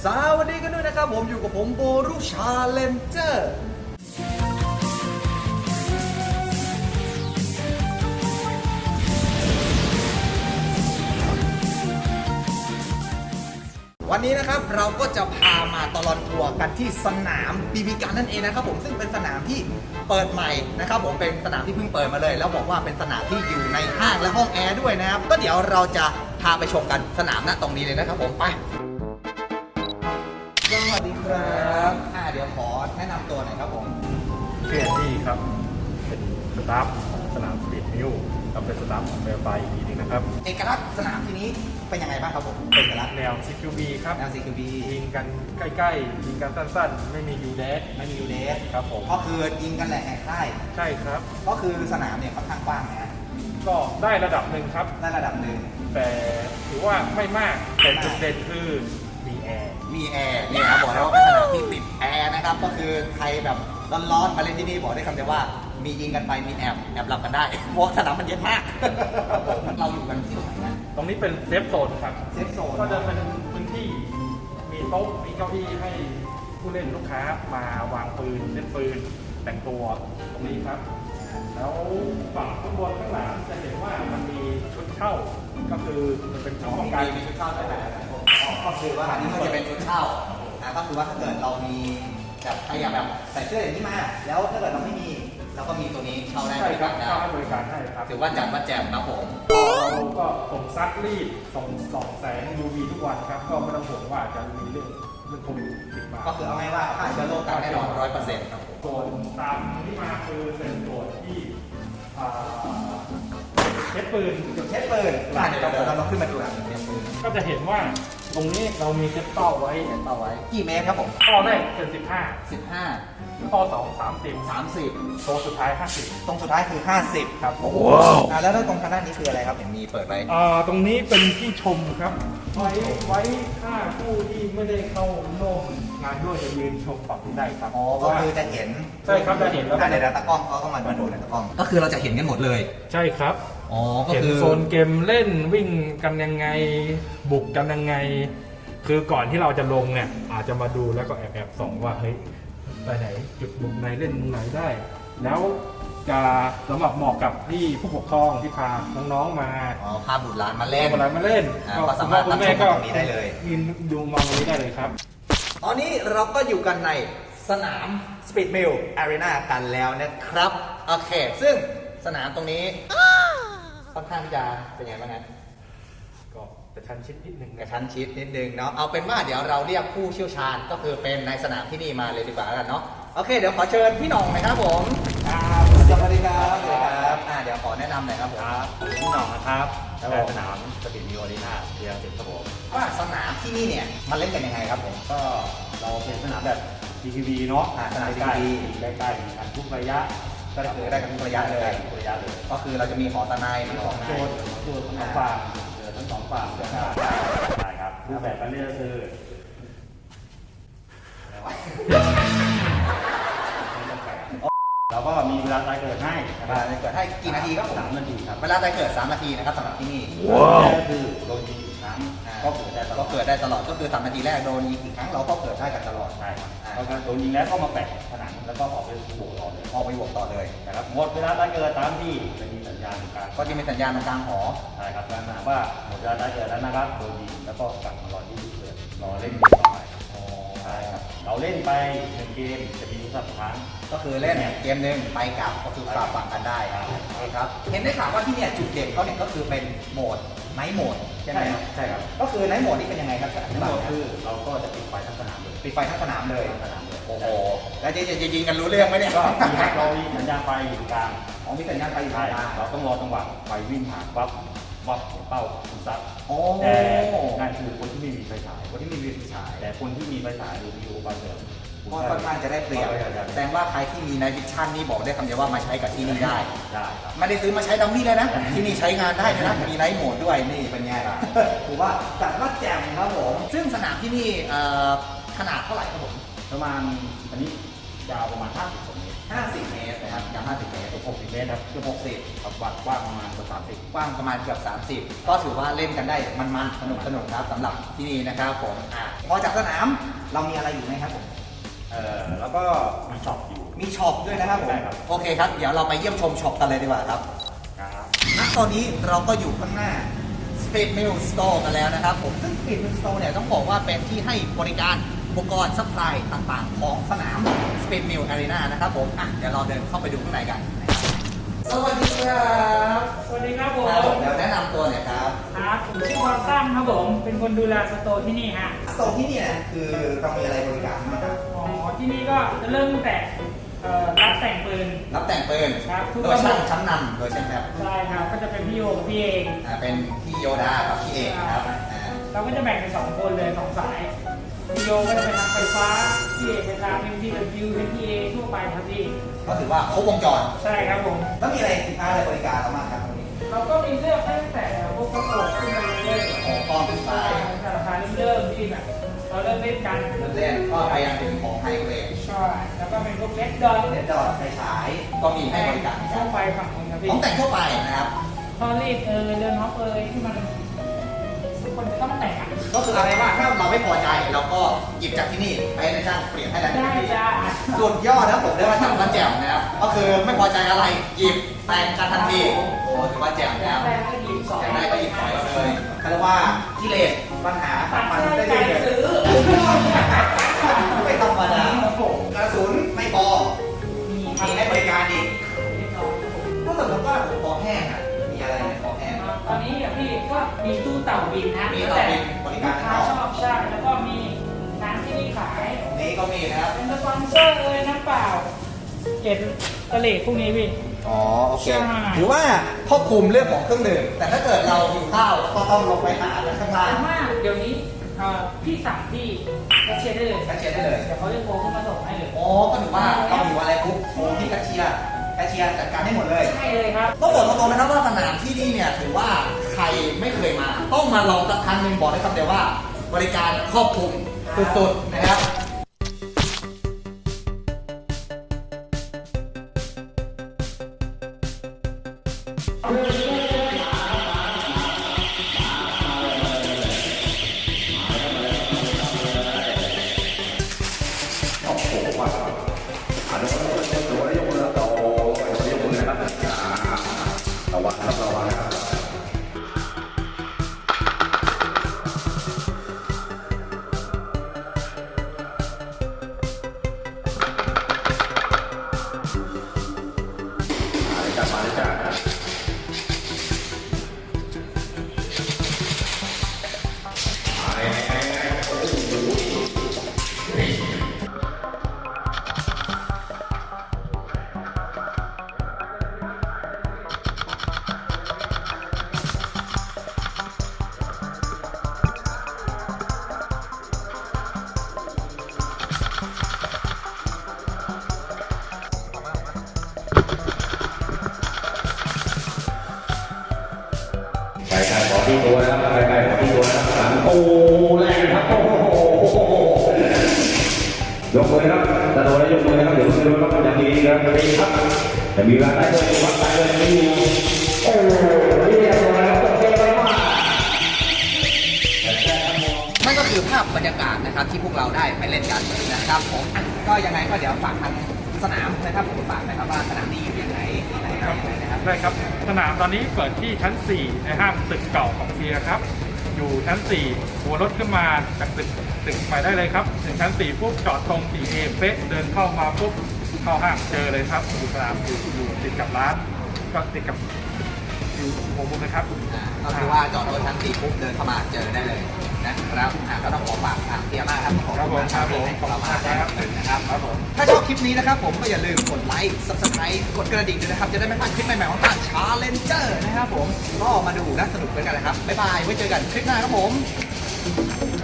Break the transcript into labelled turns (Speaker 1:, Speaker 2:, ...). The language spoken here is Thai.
Speaker 1: สวัสดีกันด้วยนะครับผมอยู่กับผมโบรุชาเลนเจอร์วันนี้นะครับเราก็จะพามาตลอดทัวร์กันที่สนามบีบีกันนั่นเองนะครับผมซึ่งเป็นสนามที่เปิดใหม่นะครับผมเป็นสนามที่เพิ่งเปิดมาเลยแล้วบอกว่าเป็นสนามที่อยู่ในห้างและห้องแอร์ด้วยนะครับก็เดี๋ยวเราจะพาไปชมกันสนามณตรงนี้เลยนะครับผมไปสวัสดีครับเดี๋ยวขอแนะนำตัวหน่อยครับผม
Speaker 2: เพื่อนที่ครับเป็นสตาฟของสนามสปีดมิวครับเป็นสตาฟของเบลไฟอีกทีนึงนะครับ
Speaker 1: เอกลักษณ์สนามที่นี้เป็นยังไงบ้างครับผมเอกลักษณ์
Speaker 2: แนว CQB ครับ
Speaker 1: แนว CQB
Speaker 2: ยิงกันใกล้ๆยิงกันสั้นๆไม่มียูเดสครับผม
Speaker 1: ก็คือยิงกันแหละแหกค่าย
Speaker 2: ใช่ครับ
Speaker 1: ก็คือสนามเนี่ยค่อนข้างกว้างนะ
Speaker 2: ก็ได้ระดับหนึ่งครับ
Speaker 1: ได้ระดับหนึ่ง
Speaker 2: แต่ถือว่าไม่มากแต่จุดเด่นคือมีแอร์
Speaker 1: นี่ครับบอกแล้วว่าเป็นสนามที่ติดแอร์นะครับก็คือใครแบบร้อนๆมาเล่นที่นี่บอกได้คำเดียวว่ามียิงกันไปมีแอบหลับกันได้เพราะสนามมันเย็นมากเราอยู่กันที่ตรงไหนนะ
Speaker 2: ตรงนี้เป็นเซฟโซนครับ
Speaker 1: เซฟโซน
Speaker 2: ก็จะเป็นพื้นที่มีโต๊ะมีเก้าอี้ให้ผู้เล่นลูกค้ามาวางปืนเล่นปืนแต่งตัวตรงนี้ครับแล้วฝั่งข้างบนข้างหลังจะเห็นว่ามันมีชุดเช่าก็คือมันเป็นชุดป้องกัน
Speaker 1: มีชุดเช่าด้วยก็คือว่าอันนี้มันจะเป็นชุดเช่าก็คือว่าถ้าเกิดเรามีแบบใครอยากแบบใส่เสื้ออย่างนี้มาแล้วถ้าเกิดเราไม่มีเราก็มีตัวนี้เช่าได้บริการได้
Speaker 2: บริการให้ครับ
Speaker 1: ถือว่าจัดว่าแจมครับผม
Speaker 2: เราก็ส่งซักรีดส่องแสง UV ทุกวันครับก็ไม่ต้องห่วงว่าจะมีเรื่องโควิดติดมา
Speaker 1: ก็คือเอาไงว่าฆ่าเชื้อโรคกันแน่นอน100%ครับ
Speaker 2: ส่วนตามที่มาคือเป็นส่วนที่เช็ดปืน
Speaker 1: จุดเช็ดปืนเดี๋ยวเราขึ้นมาดูหลังเช็ดปืน
Speaker 2: ก็จะเห็นว่าตรงนี้เรามีเซ็ตเป้าไว้
Speaker 1: กี่เมตรครับผม
Speaker 2: เป้าแรกเป็น15เป้า2 30โตสุดท้าย50
Speaker 1: ตรงสุดท้ายคือ50ครับแล้วตรงทางด้านนี้คืออะไรครับเห็นมีเปิดไว้
Speaker 2: ตรงนี้เป็นที่ชมครับไว้ถ้าผู้ที่ไม่ได้เข้าร่วมงานด้วยจะยืนชมฝั่งนี้ได้ครับ
Speaker 1: ก็คือจะเห็น
Speaker 2: ใช่ครับจะเห็นแล้ว
Speaker 1: ในตะกล้องเขาก็มาดูในตะกล้องก็คือเราจะเห็นกันหมดเลย
Speaker 2: ใช่ครับ
Speaker 1: ก็คือ
Speaker 2: โซนเกมเล่นวิ่งกันยังไงบุกกันยังไงคือก่อนที่เราจะลงเนี่ยอาจจะมาดูแล้วก็แอบส่องว่าเฮ้ยไปไหนจุดมุมไหนเล่นมุมไหนได้แล้วจะสำหรับเหมาะกับที่ผู้ปกครองที่พาน้องๆมา
Speaker 1: พาบุตรหลานมาเล่น
Speaker 2: ก็
Speaker 1: สามารถตั้งชมตรงนี้ได้เลย
Speaker 2: ดูมองตรงนี้ได้เลยครับ
Speaker 1: ตอนนี้เราก็อยู่กันในสนาม Speed Mill Arena กันแล้วนะครับโอเคซึ่งสนามตรงนี้ค่อนข้างที่จะเป็นยังไงบ้างนะ
Speaker 2: ก็กระชั้นชิดนิดนึง
Speaker 1: เนาะเอาเป็นว่าเดี๋ยวเราเรียกผู้เชี่ยวชาญก็คือเป็นในสนามที่นี่มาเลยดีกว่ากันเนาะโอเคเดี๋ยวขอเชิญพี่หน่องนะครับผมสวัสดีครับเดี๋ยวขอแนะนำหน่อยครับผม
Speaker 2: พี่หน่องนะครับสนามสปีดมิลอารีนาเรียงติดครับผม
Speaker 1: ว่าสนามที่นี่เนี่ยมันเล่นกันยังไงครับผม
Speaker 2: ก็เราเป็นสนามแบบ DTV เนาะ
Speaker 1: สนาม
Speaker 2: DTV ใกล้ๆกันทุกระยะ
Speaker 1: ก็คือได้กันทุกระยะเลยก็คือเราจะมีหอสนายมีของ
Speaker 2: โซนทั้งฝั่งทั้งสองฝั่งใช่ครับรูปแบบการเล่นก็คือเราก็มีเวลาตายเกิดให้
Speaker 1: กี่นาทีครับผม
Speaker 2: 3 นาทีครับ
Speaker 1: เวลาตายเกิด3 นาทีนะครับสำหรับที่นี่
Speaker 2: ก็คือโดนยิงอีกครั้งก็เกิด
Speaker 1: ได้ตลอดก็คือ3 นาทีแรกโดนยิงอีกครั้งเราก็เกิดได้กันตลอด
Speaker 2: ใช่ครับก็โดนยิงแล้วก็มาแปะผนังแล้วก็ออกไปบวกต่อเลยนะครับหมดเวลาตายเกิดตามที่จะมีสัญญาณกลาง
Speaker 1: ก็จะมีสัญญาณกลางหอ
Speaker 2: ใช่ครับนั่นหมายว่าหมดเวลาตายเกิดแล้วนะครับโดนยิงแล้วก็กลับมารอที่เกิดรอเล่นเกมต่อไปใช่ครับเราเล่นไป1 เกมจะมีสักครั้ง
Speaker 1: ก็คือเล่นเกมหนึ่งไปกลับก็คือฝากฝั่งกันได้ครับเห็นได้ข่าวว่าที่เนี่ยจุดเด่นเขาเนี่ยก็คือเป็นโหมดไนท์โหมดใช่ไหม
Speaker 2: ใช่ครับ
Speaker 1: ก็คือไนท์โหมดนี่เป็นยังไงครับ
Speaker 2: ไนท์โหมดคือเราก็จะปิดไฟทั้งสนามเลย
Speaker 1: โอ้โหแล้วจะยิงกันรู้เรื่องไหมเนี่ย
Speaker 2: ก็เรามีสัญญาณไฟอยู่กลาง
Speaker 1: มีสัญญาณไฟอยู่กลาง
Speaker 2: เราต้องรอจังหวะไฟวิ่งผ่านปั๊บวับเป้าคุณซัด
Speaker 1: แต่
Speaker 2: นั่นคือคนที่ไม่มีไฟฉายแต่คนที่มีไฟฉายหรือมีอุปกรณ์เสริม
Speaker 1: ก็ค่อนข้างจะได้เปรียบแสดงว่าใครที่มีไนท์วิชั่นนี่บอกได้คำเดียวว่ามาใช้กับที่นี่ได้ไม่ได้ซื้อมาใช้ดัมมี่เลยนะที่นี่ใช้งานได้นะมีไนท์โหมดด้วยนี่เป็นไงถือว่าจัดว่าแจ่มครับผมซึ่งสนามที่นี่ขนาดเท่าไหร่ครับผม
Speaker 2: ประมาณอันนี้ยาวประมาณ50 เมตร
Speaker 1: 50 เมตรนะครับยาว50 เมตร
Speaker 3: 60 เมตรครับ
Speaker 1: เกือบ60
Speaker 3: ครับวัดกว้างประมาณเกือบ30
Speaker 1: กว้างประมาณเกือบ30 ก็ถือว่าเล่นกันได้มันๆสนุกครับสำหรับที่นี่นะครับผมพอจากสนามเรามีอะไรอยู่ไหมครับผม
Speaker 3: แล้วก็มีช็อปอยู่
Speaker 1: มีช็อปด้วยนะครับผม
Speaker 3: ใช่ครับ
Speaker 1: โอเคครับเดี๋ยวเราไปเยี่ยมชมช็อปกันเลยดีกว่าครับ
Speaker 3: ครับ
Speaker 1: ณตอนนี้เราก็อยู่ข้างหน้า Speed Mill Store กันแล้วนะครับผมซึ่ง Speed Mill Store เนี่ยต้องบอกว่าเป็นที่ให้บริการอุปกรณ์ซัพพลายต่างๆ ของสนาม Speed Mill Arena นะครับผมเดี๋ยวเราเดินเข้าไปดูข้างในกันนะครับสวัสดีครับ
Speaker 4: สวัสดีครับผม
Speaker 1: ครับผมเดี๋ยวแนะนำตัวหน่อยครับ
Speaker 4: ครับผมชื่อวอลซัมครับผม เป็นคนดูแลสโตร์ที่นี่ฮะ
Speaker 1: สโตร์ที่นี่นะคือเรามีอะไรบริการบ้างครับ
Speaker 4: อ๋อ ที่นี่ก็จะเริ่มตั้งแต่รับแต่งปืน
Speaker 1: รับแต่งปืน
Speaker 4: ครับทุก
Speaker 1: โดยช่างชั้นนำโดยใช่ไหมครับ
Speaker 4: ใช่ครับ ก็จะเป็นพี่โยกับพี่เอง
Speaker 1: เป็นพี่โยดากับพี่เอกนะครับ
Speaker 4: เราก็จะแบ่งเป็น2คนเลย2สาย พี่โยก็จะเป็นทางไฟฟ้า พี่เอกเป็นทาง MTW MTA ทั่วไปครับพี่
Speaker 1: ก็ถือว่าครบวงจร
Speaker 4: ใช่ครับผม
Speaker 1: แล้วมีอะไรสินค้าอะไรบริการเราบ้างครับตรงนี้
Speaker 4: เราก็มีเลือกให้ตั้งแต่พวกกระโปรงขึ้นไปเรื่อย
Speaker 1: ของกองขึ้นไป
Speaker 4: ๆแต่ราคาเริ่มที่แบบเราเริ่มเล่นกัน
Speaker 1: เริ่มเล่นก็ไปยังถึงของไฮเกรด
Speaker 4: ใช่แล้วก็เป็นพวกเล็กดอน
Speaker 1: เลดดอทไฟฉายก็มีให้บริการ
Speaker 4: ทั่วไปฝั่งนู้นครับพี่
Speaker 1: ของแต่งทั่วไปนะครับ
Speaker 4: พอรีดเดินฮอปที่มันทุกคนจะต้องแต่งอ่ะ
Speaker 1: ก็คืออะไรว่าถ้าเราไม่พอใจเราก็หยิบจากที่นี่ไปให้นายช่างเปลี่ยนให้แล้ว
Speaker 4: ได้จ้า
Speaker 1: สุดยอดนะผมเรียกว่าช่างมันแจ่มนะครับก็คือไม่พอใจอะไรหยิบแต่งกันทันทีโอ้ถือว่าแจ่มนะครับ
Speaker 4: แต่ก็ดีสอง
Speaker 1: แต่งได้ก็หยิบถอยเลยเขาเรียกว่ากิเลสปัญหา
Speaker 4: ตัด
Speaker 1: มัน
Speaker 4: ใจ
Speaker 1: ได้
Speaker 4: ใจ
Speaker 1: เลย
Speaker 4: ซื้อ
Speaker 1: ไม่ธรรมดาครับผมกระสุนไม่พอ
Speaker 4: มี
Speaker 1: มีให้บริการอีกถ้าสมมติว่าผมคอแห้งมีอะไรในคอแห้ง
Speaker 4: ตอนนี้พี่ก็มีตู้เต่าบินนะ
Speaker 1: มีเต่าบินบริการ
Speaker 4: ลูกค้าชอบใช่แล้วก็มีน้ำที่นี่ขาย
Speaker 1: ตรงนี้ก็มีนะครับ
Speaker 4: เป็นสปอนเซอร์น้ำเปล่าเกล็ดกระเหล่พวกนี้พี่
Speaker 1: อ๋อโอเค
Speaker 4: ใช่
Speaker 1: หรือว่าครอบคลุมเรื่องของเครื่องดื่มแต่ถ้าเกิดเราหิวข้าวก็ต้องลงไปหาข้างล่าง
Speaker 4: แต่ว่าเดี๋ยวนี้พี่สั่งที่แคชเชียร์ได้เลย
Speaker 1: แคชเชียร์ได้เลย
Speaker 4: เดี๋ยวเขาจะโทรขึ้นมาส่งให้เลย
Speaker 1: อ๋อก็ถือว่าเราหิวอะไรปุ๊บโทรที่แคชเชียร์จัดการให้หมดเลย
Speaker 4: ใช่เลยครับ
Speaker 1: ต้องบอกตรงๆนะครับว่าสนามที่นี่เนี่ยถือว่าใครไม่เคยมา ต้องมาลองสักครั้งหนึ่งบอกได้คำเดียวว่า บริการครอบคลุมสุดๆนะครับ
Speaker 5: ไปไก่ขอที่ตัวนะครับไปไก่ขอที่ตัวนะครับสามโอ้แรงครับโอ้โหยกมือครับตะโดนแล้วยกมือนะครับเดี๋ยวดูครับอย่างดีครับดีครับแต่มีเวลาได้เลยวัดได้เลยไม่มีโอ้เรียบร้อยครับโอเคไปมาก
Speaker 1: นั่นก็คือภาพบรรยากาศนะครับที่พวกเราได้ไปเล่นกันนะครับผมก็ยังไงก็เดี๋ยวฝากทางสนามนะครับผมฝากนะครับว่าสนามนี้อยู่ยังไงที่ไหนอะไรยังไงนะครับ
Speaker 2: ได้ครับสนามตอนนี้เปิดที่ชั้น 4 ในห้างตึกเก่าของเซียครับ อยู่ชั้น 4 หัวรถขึ้นมาจากตึกไปได้เลยครับ ถึงชั้น 4 ปุ๊บจอดตรง 4A เป๊ะเดินเข้ามาปุ๊บเข้าห้างเจอเลยครับสนามอยู่ติดกับร้าน ก็ติดกับอยู่หัวมุมนะครับ
Speaker 1: ก็คือว่าจอดรถชั้น4ปุ๊บเดินเข้ามาเจอได้เลยนะครับก็ต้องขอฝากทางเทียมากครับขอบคุณมากครับที่ให้เรามาได้ครับนะครับ
Speaker 2: ครับผม
Speaker 1: ถ้าชอบคลิปนี้นะครับผมก็อย่าลืมกดไลค์ subscribe กดกระดิ่งด้วยนะครับจะได้ไม่พลาดคลิปใหม่ๆของทาง Challenger นะครับผมก็มาดูและสนุกด้วยกันนะครับบ๊ายบายไว้เจอกันคลิปหน้าครับผม